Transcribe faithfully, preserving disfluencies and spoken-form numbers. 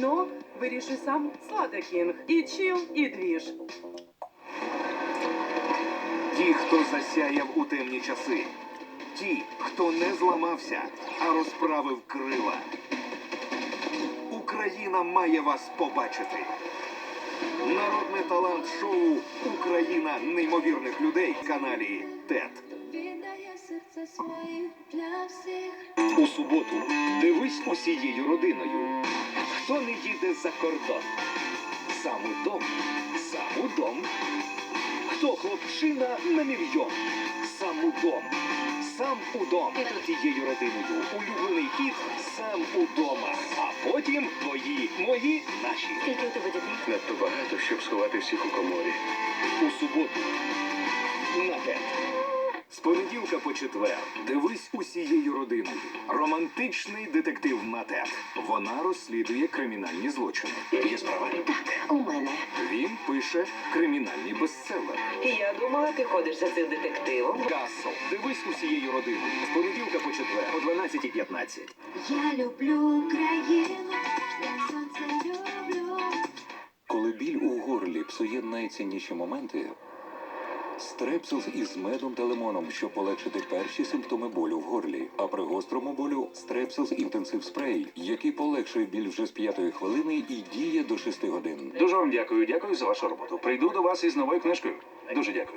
Но вирішуй сам Слада Кінг. І чил, і двіж. Ті, хто засяяв у темні часи. Ті, хто не зламався, а розправив крила. Україна має вас побачити. Народне талант-шоу «Україна неймовірних людей» в каналі ТЕТ. Віддає серце своїх для всіх. У суботу дивись усією родиною. Хто не їде за кордон? Сам удом, сам удом. Хто хлопчина на мільйон? Сам удом, сам удом. Тією родиною улюблений хід «Сам удома». А потім твої, мої, наші. Скільки у тебе дітей? Надто багато, щоб сховати всіх у коморі. У суботу на ТЕТ. З понеділка по четвер дивись усією родиною. Романтичний детектив на ТЕТ. Вона розслідує кримінальні злочини. Є справа? Так, у мене. Він пише кримінальні бестселери. Я думала, ти ходиш за цим детективом. Касл. Дивись усією родиною. З понеділка по четвер о дванадцятій п'ятнадцять. Я люблю Україну, як сонце люблю. Коли біль у горлі псує найцінніші моменти, стрепсилс із медом та лимоном, щоб полегшити перші симптоми болю в горлі. А при гострому болю стрепсилс інтенсив спрей, який полегшує біль вже з п'ятої хвилини і діє до шести годин. Дуже вам дякую, дякую за вашу роботу. Прийду до вас із новою книжкою. Дуже дякую.